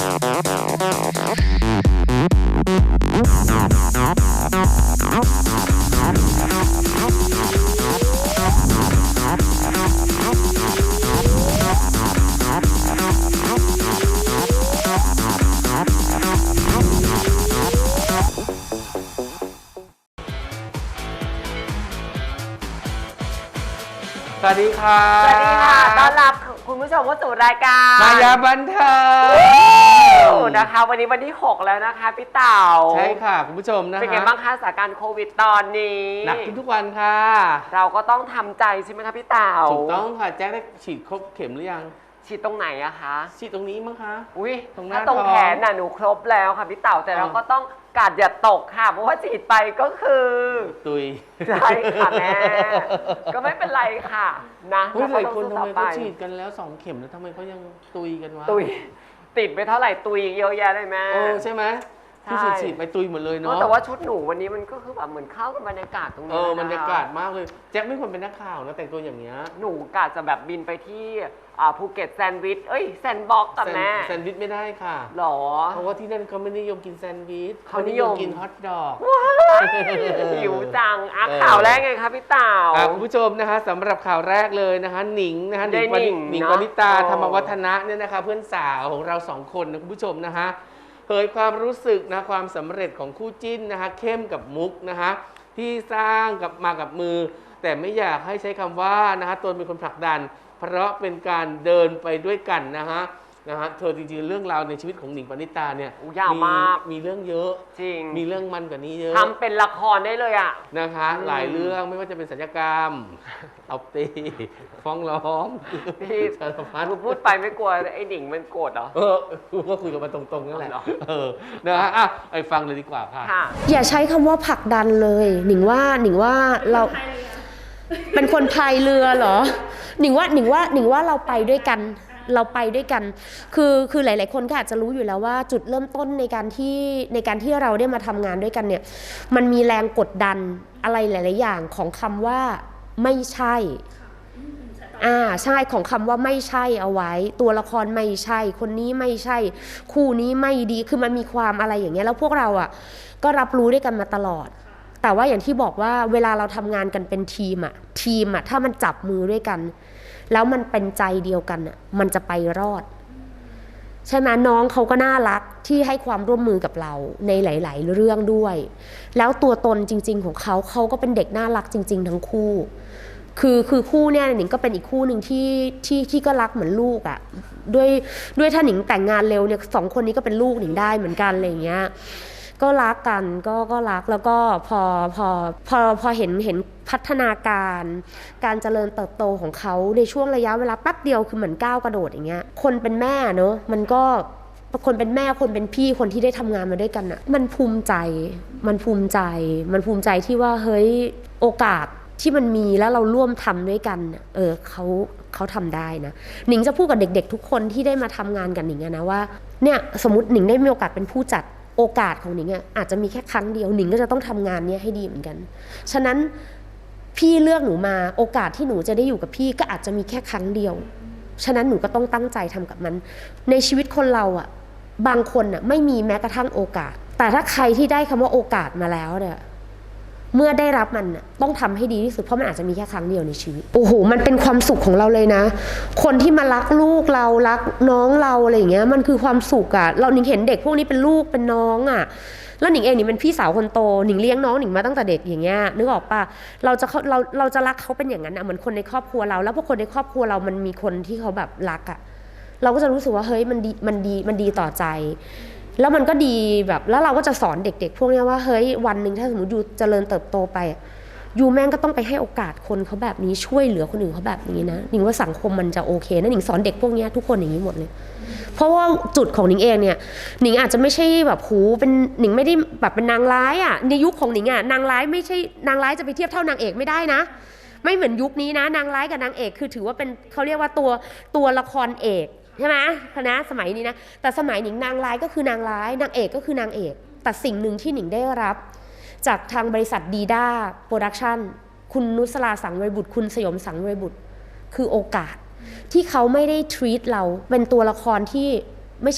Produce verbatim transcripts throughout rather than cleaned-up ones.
สวัสดีค่ะสวัสดีค่ะต้อนรับคุณผู้ชมเข้าสู่รายการมายาบันเทิงนะคะวันนี้วันที่หกแล้วนะคะพี่เต่าใช่ค่ะคุณผู้ชมนะคะเป็นไงบ้างคะสถานการณ์โควิดตอนนี้หนักทุกวันค่ะเราก็ต้องทำใจใช่ไหมคะพี่เต่าถูกต้องค่ะแจ็คได้ฉีดครบเข็มหรือยังฉีดตรงไหนอะคะฉีดตรงนี้มั้งคะอุ้ยตรงหน้าตรงแขนน่ะหนูครบแล้วค่ะพี่เต่าแต่เราก็ต้องกาดอย่าตกค่ะเพราะว่าฉีดไปก็คือตุยใช่ค่ะแม่ก็ไม่เป็นไรค่ะนะเฮ้ยหลายคนทำไมเขาฉีดกันแล้วสองเข็มแล้วทำไมเขายังตุยกันวะตุยติดไปเท่าไหร่ตุยเยอะแยะเลยแม่โอ้ใช่ไหมที่ฉีดฉีดไปตุยหมดเลยเนาะแต่ว่าชุดหนูวันนี้มันก็คือแบบเหมือนเข้ากับบรรยากาศตรงนี้เออบรรยากาศมากเลยแจ็คไม่ควรเป็นนักข่าวนะแต่งตัวอย่างเงี้ยหนูกะจะแบบบินไปที่ภูเก็ตแซนด์วิชเอ้ยแซนด์บ็อกกับแม่แซนด์วิชไม่ได้ค่ะหรอเพราะว่าที่นั่นเขาไม่นิยมกินแซนด์วิชเขานิยมกินฮอทดอกหิวจังอ่ะข่าวแรกไงคะพี่เต่าคุณผู้ชมนะคะสำหรับข่าวแรกเลยนะคะหนิงนะคะหนิงหนิงปณิตาธรรมวัฒนะเนี่ยนะคะเพื่อนสาวของเราสองคนนะคุณผู้ชมนะคะเผยความรู้สึกนะความสำเร็จของคู่จิ้นนะคะเข้มกับมุกนะคะที่สร้างกับมากับมือแต่ไม่อยากให้ใช้คำว่านะคะตนเป็นคนผลักดันเพราะเป็นการเดินไปด้วยกันนะฮะนะฮะเธอจริงๆเรื่องราวในชีวิตของหนิงปณิตาเนี่ยยาวมากมีเรื่องเยอะจริงมีเรื่องมันกว่านี้เยอะทำเป็นละครได้เลยอ่ะนะคะหลายเรื่องไม่ว่าจะเป็นสัญญกรรมเอาตีฟ้องร้องพี่สารพัดพูดไปไม่กลัวไอ้หนิงมันโกรธเหรอเออก็คุยกันมาตรงๆนั่นแหละเออนะฮะอ่ะไปฟังเลยดีกว่าค่ะอย่าใช้คำว่าผลักดันเลยหนิงว่าหนิงว่าเราเป็นคนพายเรือเหรอหนิงว่าหนิงว่าหนิงว่าเราไปด้วยกันเราไปด้วยกันคือคือหลายๆคนก็อาจจะรู้อยู่แล้วว่าจุดเริ่มต้นในการที่ในการที่เราได้มาทำงานด้วยกันเนี่ยมันมีแรงกดดันอะไรหลายๆอย่างของคำว่าไม่ใช่อ่าใช่ของคำว่าไม่ใช่เอาไว้ตัวละครไม่ใช่คนนี้ไม่ใช่คู่นี้ไม่ดีคือมันมีความอะไรอย่างเงี้ยแล้วพวกเราอ่ะก็รับรู้ด้วยกันมาตลอดแต่ว่าอย่างที่บอกว่าเวลาเราทำงานกันเป็นทีมอะทีมอะถ้ามันจับมือด้วยกันแล้วมันเป็นใจเดียวกันอะมันจะไปรอดใช่ไหมน้องเขาก็น่ารักที่ให้ความร่วมมือกับเราในหลายๆเรื่องด้วยแล้วตัวตนจริงๆของเขาเขาก็เป็นเด็กน่ารักจริงๆทั้งคู่คือคือคู่เนี่ยหนิงก็เป็นอีกคู่หนึ่งที่ที่ที่ก็รักเหมือนลูกอะด้วยด้วยถ้าหนิงแต่งงานเร็วเนี่ยสองคนนี้ก็เป็นลูกหนิงได้เหมือนกันอะไรอย่างเงี้ยก็รักกันก็ก็รักแล้วก็พอพอพอพอเห็นเห็นพัฒนาการการเจริญเติบโตของเขาในช่วงระยะเวลาแป๊บเดียวคือเหมือนก้าวกระโดดอย่างเงี้ยคนเป็นแม่เนอะมันก็คนเป็นแม่คนเป็นพี่คนที่ได้ทำงานมาด้วยกันอะมันภูมิใจมันภูมิใจมันภูมิใจที่ว่าเฮ้ยโอกาสที่มันมีแล้วเราร่วมทำด้วยกันเออเขาเขาทำได้นะหนิงจะพูดกับเด็กๆทุกคนที่ได้มาทำงานกับหนิงนะว่าเนี่ยสมมติหนิงได้มีโอกาสเป็นผู้จัดโอกาสของหนิงอ่ะอาจจะมีแค่ครั้งเดียวหนิงก็จะต้องทำงานนี้ให้ดีเหมือนกันฉะนั้นพี่เลือกหนูมาโอกาสที่หนูจะได้อยู่กับพี่ก็อาจจะมีแค่ครั้งเดียวฉะนั้นหนูก็ต้องตั้งใจทำกับมันในชีวิตคนเราอ่ะบางคนอ่ะไม่มีแม้กระทั่งโอกาสแต่ถ้าใครที่ได้คำว่าโอกาสมาแล้วเนี่ยเมื่อได้รับมันต้องทำให้ดีที่สุดเพราะมันอาจจะมีแค่ครั้งเดียวในชีวิตโอ้โหมันเป็นความสุขของเราเลยนะคนที่มารักลูกเรารักน้องเราอะไรอย่างเงี้ยมันคือความสุขอะเราหนิงเห็นเด็กพวกนี้เป็นลูกเป็นน้องอะแล้วหนิงเองนี่เป็นพี่สาวคนโตหนิงเลี้ยงน้องหนิงมาตั้งแต่เด็กอย่างเงี้ยนึกออกปะเราจะเราเราจะรักเขาเป็นอย่างนั้นอะเหมือนคนในครอบครัวเราแล้วพอคนในครอบครัวเรามันมีคนที่เขาแบบรักอะเราก็จะรู้สึกว่าเฮ้ยมันดีมันดีมันดีต่อใจแล้วมันก็ดีแบบแล้วเราก็จะสอนเด็กๆพวกนี้ว่าเฮ้ยวันหนึ่งถ้าสมมติยูเจริญเติบโตไปยูแม่งก็ต้องไปให้โอกาสคนเขาแบบนี้ช่วยเหลือคนอื่นเขาแบบนี้นะหนิงว่าสังคมมันจะโอเคนะหนิงสอนเด็กพวกนี้ทุกคนอย่างนี้หมดเลยเพราะว่าจุดของหนิงเองเนี่ยหนิงอาจจะไม่ใช่แบบหูเป็นหนิงไม่ได้แบบเป็นนางร้ายอ่ะในยุคของหนิงอ่ะนางร้ายไม่ใช่นางร้ายจะไปเทียบเท่านางเอกไม่ได้นะไม่เหมือนยุคนี้นะนางร้ายกับนางเอกคือถือว่าเป็นเขาเรียกว่าตัวตัวละครเอกใช่ไหมคณะสมัยนี้นะแต่สมัยหนิงนางร้ายก็คือนางร้ายนางเอกก็คือนางเอกแต่สิ่งหนึ่งที่หนิงได้รับจากทางบริษัทดีด้าโปรดักชั่นคุณนุสราสังเวยบุตรคุณสยมสังเวยบุตรคือโอกาสที่เขาไม่ได้ treat เราเป็นตัวละครที่ไม่ใช่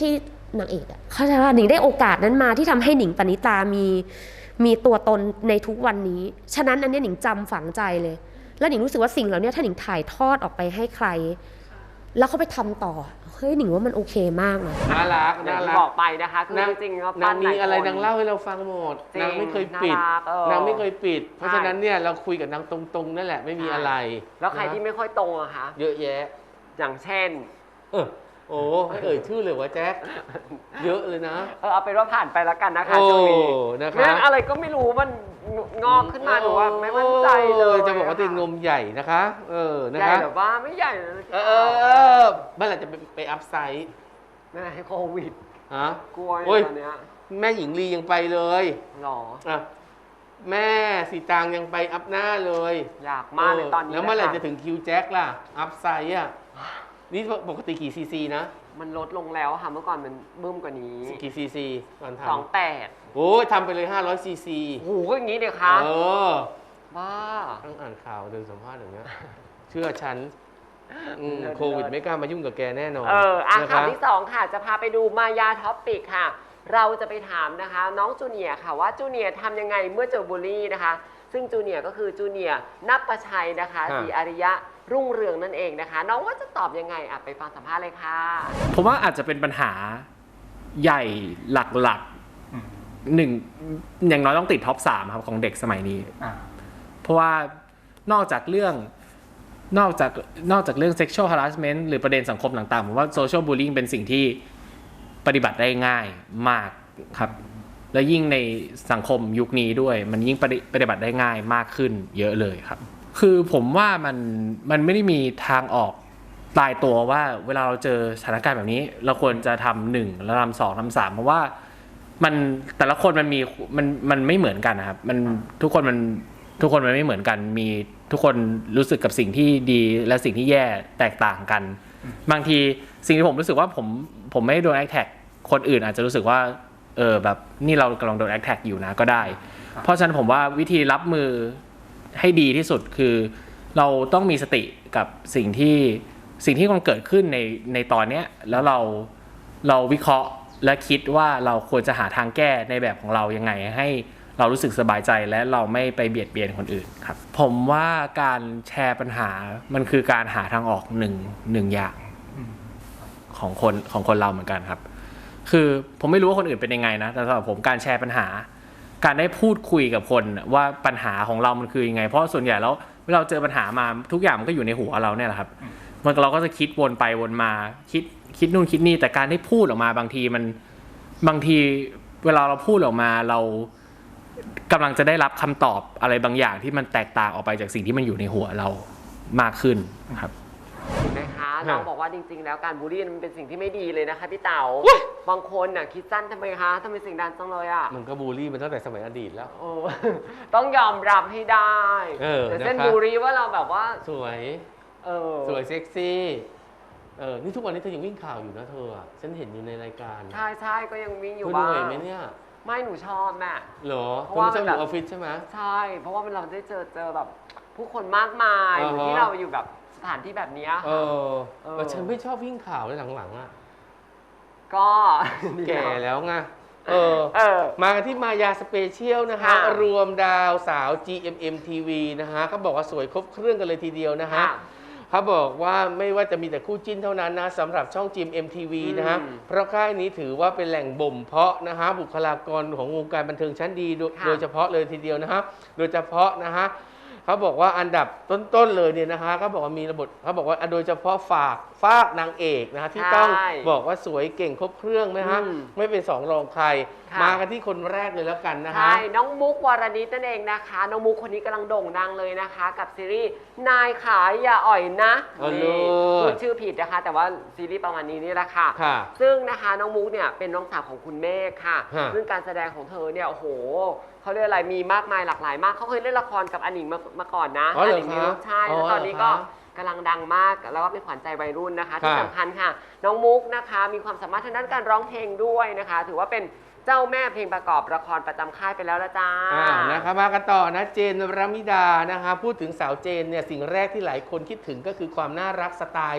นางเอกอะเข้าใจว่าหนิงได้โอกาสนั้นมาที่ทำให้หนิงปณิตามีมีตัวตนในทุกวันนี้ฉะนั้นอันนี้หนิงจำฝังใจเลยแล้วหนิงรู้สึกว่าสิ่งเหล่านี้ถ้าหนิงถ่ายทอดออกไปให้ใครแล้วเขาไปทำต่อเฮ้ยหนิงว่ามันโอเคมากเลยน่ารักอย่าน่างที่รักบอกไปนะคะคือจริงๆก็นาปั้งนมีหลายอะไรคนนางเล่าให้เราฟังหมดจริงนางไม่เคยปิดน่ารักเออนางไม่เคยปิด เพราะใช่ฉะนั้นเนี่ยเราคุยกับนางตรงๆนั่นแหละไม่มีอะไรแล้วใครนะที่ไม่ค่อยตรงอะคะเยอะแยะอย่างเช่นเออโอ้ให้เอ่ยชื่อเลยวะแจ๊คเยอะเลยนะเออเอาเป็นว่าผ่านไปแล้วกันนะคะโอ้ช่วงนี้นะคะเรื่องอะไรก็ไม่รู้มันงอกขึ้นมาหนูว่าไม่มั่นใจเลยจะบอกว่าเป็นนมใหญ่นะคะ เออนะใหญ่คะแบบว่าไม่ใหญ่นะเออเออเออเมื่อไหร่จะไปไปอัพไซด์ไม่ให้โควิดฮะกลัวอยู่โอ้ยตอนเนี้ยแม่หญิงลียังไปเลยหรออ่ะแม่สีตางยังไปอัพหน้าเลยอยากมากเลยตอนนี้แล้วเมื่อไหร่นคจะถึงคิวแจ็คล่ะ อัพไซด์อ่ะ นี่ปกติกี่ซีซีนะมันลดลงแล้วค่ะเมื่อก่อนมันบึ้มกว่านี้กี่ซีซีตอนทสองแปดำโอ้ยทำไปเลยห้าร้อยซีซีโอ้โหก็อย่างนี้เดียคะเออบ้าต้องอ่านข่าวเดินสัมภาษณ์อย่างเงี้ย เชื่อฉันอืมเลิศโควิดไม่กล้ามายุ่งกับแกแน่นอนเอออ่ะนะข่าวคะที่สองค่ะ จะพาไปดูมายาท็อปปิกค่ะ เราจะไปถามนะคะ น้องจูเนียร์ค่ะว่าจูเนียร์ทำยังไงเมื่อเจอบูลลี่นะคะ ซึ่งจูเนียร์ก็คือจูเนียร์นับประชัยนะคะฮะศรีอาริยะรุ่งเรืองนั่นเองนะคะ น้องว่าจะตอบยังไงอ่ะไปฟังสัมภาษณ์เลยค่ะผมว่าอาจจะเป็นปัญหาใหญ่หลักๆหนึ่งอย่างน้อยต้องติดท็อปสามครับของเด็กสมัยนี้ เพราะว่านอกจากเรื่องนอกจากนอกจากเรื่อง sexual harassment หรือประเด็นสังคมต่างๆผมว่า social bullying เป็นสิ่งที่ปฏิบัติได้ง่ายมากครับ และยิ่งในสังคมยุคนี้ด้วย มันยิ่งปฏิปฏิบัติได้ง่ายมากขึ้นเยอะเลยครับ คือผมว่ามันมันไม่ได้มีทางออกตายตัวว่าเวลาเราเจอสถานการณ์แบบนี้ เราควรจะทำหนึ่งแล้วทำสองทำสามเพราะว่ามันแต่ละคนมันมีมันมันไม่เหมือนกันนะครับมันทุกคนมันทุกคนมันไม่เหมือนกันมีทุกคนรู้สึกกับสิ่งที่ดีและสิ่งที่แย่แตกต่างกัน บางทีสิ่งที่ผมรู้สึกว่าผมผมไม่โดนแอคแท็กคนอื่นอาจจะรู้สึกว่าเออแบบนี่เรากำลังโดนแอคแท็กอยู่นะก็ได้ เพราะฉะนั้นผมว่าวิธีรับมือให้ดีที่สุดคือเราต้องมีสติกับสิ่งที่สิ่งที่มันเกิดขึ้นในในตอนเนี้ยแล้วเราเราวิเคราะห์และคิดว่าเราควรจะหาทางแก้ในแบบของเรายังไงให้เรารู้สึกสบายใจและเราไม่ไปเบียดเบียนคนอื่นครับผมว่าการแชร์ปัญหามันคือการหาทางออกหนึ่งหนึ่งอย่างของคนของคนเราเหมือนกันครับคือผมไม่รู้ว่าคนอื่นเป็นยังไงนะแต่สำหรับผมการแชร์ปัญหาการได้พูดคุยกับคนว่าปัญหาของเรามันคือยังไงเพราะส่วนใหญ่แล้วเวลาเราเจอปัญหามาทุกอย่างมันก็อยู่ในหัวเราเนี่ยแหละครับมันเราก็จะคิดวนไปวนมาคิดคิดนู่นคิดนี่แต่การได้พูดออกมาบางทีมันบางทีเวลาเราพูดออกมาเรากำลังจะได้รับคำตอบอะไรบางอย่างที่มันแตกต่างออกไปจากสิ่งที่มันอยู่ในหัวเรามากขึ้นครับเห็นไหมคะน้องบอกว่าจริงๆแล้วการบูลลี่มันเป็นสิ่งที่ไม่ดีเลยนะคะพี่เต๋าบางคนน่ะคิดสั้นทำไมคะทำไมเสียงดังจังเลยอ่ะมันก็บูลลี่มันตั้งแต่สมัยอดีตแล้วโอ้ ต้องยอมรับให้ได้เออแต่เส้นนะคะบูลลี่ว่าเราแบบว่าสวยเออสวยเซ็กซี่เออนี่ทุกวันนี้เธอยังวิ่งข่าวอยู่นะเธออะฉันเห็นอยู่ในรายการใช่ใช่ก็ยังวิ่งอยู่เธอเหบ้างนื่อยไหมเนี่ยไม่หนูชอบแม่เหรอเพเธราะอว่าไม่ชอบอมันแบบยู่ออฟฟิศใช่ไหมใช่ เพราะว่ามันเราได้เจอเจอแบบผู้คนมากมายอ่าฮะเหมือนที่เราอยู่แบบสถานที่แบบเนี้ยเออเออแต่ฉันไม่ชอบวิ่งข่าวเลยหลังๆอ่ะก็แก่แล้วไงเออเออมากันที่มายาสเปเชียลนะคะค่ะรวมดาวสาว จี เอ็ม เอ็ม ที วี นะฮะเขาบอกว่าสวยครบเครื่องกันเลยทีเดียวนะฮะค่ะเขาบอกว่าไม่ว่าจะมีแต่คู่จิ้นเท่านั้นนะสำหรับช่อง จี เอ็ม ที วี นะฮะอืมเพราะค่ายนี้ถือว่าเป็นแหล่งบ่มเพาะนะฮะบุคลากรของวงการบันเทิงชั้นดีโดยค่ะโดยเฉพาะเลยทีเดียวนะฮะโดยเฉพาะนะฮะเขาบอกว่าอันดับต้นๆเลยเนี่ยนะฮะเขาบอกว่ามีระบบเขาบอกว่าโดยเฉพาะฝากฝากนางเอกนะฮะที่ต้องใช่บอกว่าสวยเก่งครบเครื่องไหมฮะอืมไม่เป็นสองรองใครค่ะมากันที่คนแรกเลยแล้วกันนะฮะใช่ น้องมุกวรณิตนั่นเองนะคะ น้องมุกคนนี้กำลังโด่งดังเลยนะคะ กับซีรีส์นายขายอย่าอ่อยนะเออนี่เลิศพูดชื่อผิดนะคะ แต่ว่าซีรีส์ประมาณนี้นี่แหละค่ะค่ะซึ่งนะคะน้องมุกเนี่ยเป็นน้องสาวของคุณเมฆค่ะฮะซึ่งการแสดงของเธอเนี่ยโอ้โหเขาเรียกอะไรมีมากมายหลากหลายมากเขาเคยเล่นละครกับอนิงมามาก่อนนะอ๋อเหรอนิงมีคะลูกชายอ๋อแล้วตอนนี้ก็เหรอคะกำลังดังมากแล้วก็เป็นขวัญใจวัยรุ่นนะคะ ที่ค่ะสำคัญค่ะ น้องมุกนะคะมีความสามารถทางด้านการร้องเพลงด้วยนะคะ ถือว่าเป็นเจ้าแม่เพลงประกอบละครประจำค่ายไปแล้วละจ้าอ่านะคะมากันต่อนะเจนรมิดานะคะพูดถึงสาวเจนเนี่ยสิ่งแรกที่หลายคนคิดถึงก็คือความน่ารักสไตล์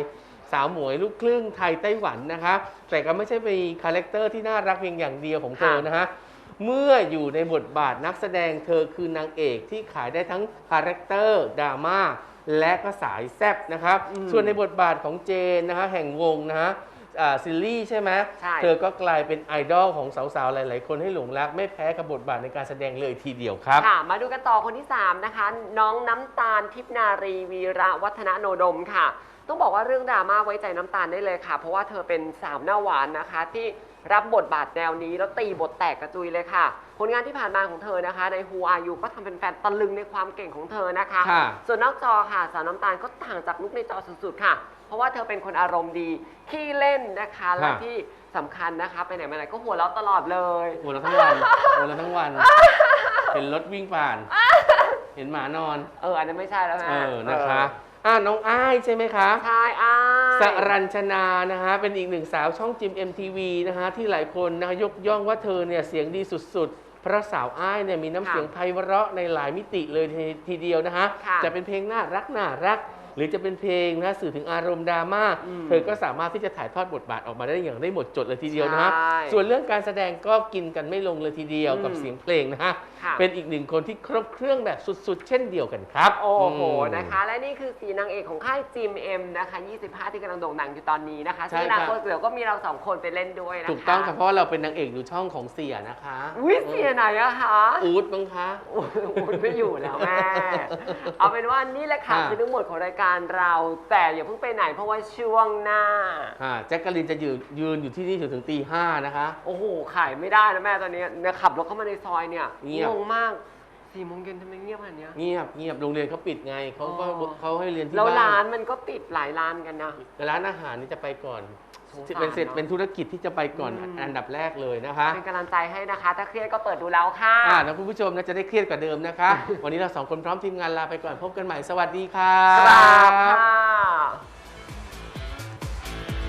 สาวหมวยลูกครึ่งไทยไต้หวันนะคะแต่ก็ไม่ใช่เป็นคาแรคเตอร์ที่น่ารักเพียงอย่างเดียวของเธอนะฮะเมื่ออยู่ในบทบาทนักแสดงเธอคือนางเอกที่ขายได้ทั้งคาแรคเตอร์ดราม่าและก็สายแซ่บนะครับส่วนในบทบาทของเจนนะคะแห่งวงนะฮะซิลลี่ใช่ไหมเธอก็กลายเป็นไอดอลของสาวๆหลายๆคนให้หลงรักไม่แพ้กับบทบาทในการแสดงเลยทีเดียวครับค่ะมาดูกันต่อคนที่สามนะคะน้องน้ำตาลทิพนารีวีระวัฒนโนดมค่ะต้องบอกว่าเรื่องดราม่าไว้ใจน้ำตาลได้เลยค่ะเพราะว่าเธอเป็นสาวหน้าหวานนะคะที่รับบทบาทแนวนี้แล้วตีบทแตกกระจุยเลยค่ะผลงานที่ผ่านมาของเธอนะคะใน Who Are You ก็ทำเป็นแฟนตะลึงในความเก่งของเธอนะคะส่วนนอกจอค่ะสาวน้ำตาลก็ต่างจากลุคในจอสุดๆค่ะเพราะว่าเธอเป็นคนอารมณ์ดีขี้เล่นนะคะและที่สำคัญนะคะไปไหนมาไหนก็หัวเราะตลอดเลยหัวเราะทั้งวันหัวเราะทั้งวันเห็นรถวิ่งผ่านเห็นหมานอนเอออันนั้นไม่ใช่แล้วนะเออนะคะอ่าน้องอ้ายใช่ไหมคะใช่อ้ายสรัญชนานะคะเป็นอีกหนึ่งสาวช่องจิม เอ็ม ที วี นะคะที่หลายคนนะคะยกย่องว่าเธอเนี่ยเสียงดีสุดๆเพราะสาวอ้ายเนี่ยมีน้ำเสียงไพเราะในหลายมิติเลยทีเดียวนะคะจะเป็นเพลงน่ารักน่ารักหรือจะเป็นเพลงนะสื่อถึงอารมณ์ดราม่าเธอก็สามารถที่จะถ่ายทอดบทบาทออกมาได้อย่างได้หมดจดเลยทีเดียวนะฮะส่วนเรื่องการแสดงก็กินกันไม่ลงเลยทีเดียวกับเสียงเพลงนะฮะเป็นอีกหนึ่งคนที่ครบเครื่องแบบสุดๆเช่นเดียวกันครับโอ้โหนะคะและนี่คือสีนางเอกของค่ายจิมเอ็มนะคะยี่สิบห้าที่กำลังโด่งดังอยู่ตอนนี้นะคะซึ่งอนาคตเดี๋ยวก็มีเราสองคนไปเล่นด้วยนะคะถูกต้องค่ะเพราะเราเป็นนางเอกอยู่ช่องของเสียนะคะอุ้ยเสียไหนอะคะอู๊ดบ้างคะอู๊ดไม่อยู่แล้วแม่เอาเป็นว่านี่แหละค่ะคือทั้งหมดของรายการเราแต่อย่าเพิ่งไปไหนเพราะว่าช่วงหน้าแจ็คกะลินจะยืนยืนอยู่ที่นี่ถึงตีห้านะคะโอ้โหขายไม่ได้แล้วแม่ตอนนี้เนี่ยขับรถเข้ามาในซอยเนี่ยงงมากสี่โมงเย็นทำไมเงียบขนาดนี้เงียบเงียบโรงเรียนเขาปิดไงเขาก็เขาให้เรียนที่บ้านแล้วร้านมันก็ปิดหลายร้านกันนะร้านอาหารนี่จะไปก่อนเป็นเสร็จเป็นธุรกิจที่จะไปก่อนอันดับแรกเลยนะคะเป็นกำลังใจให้นะคะถ้าเครียดก็เปิดดูแล้วค่ะอ่าแล้วคุณผู้ชมนะจะได้เครียดกว่าเดิมนะคะ วันนี้เราสองคนพร้อมทีมงานลาไปก่อนพบกันใหม่สวัสดีค่ะ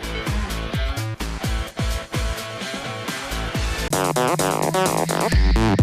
ครับ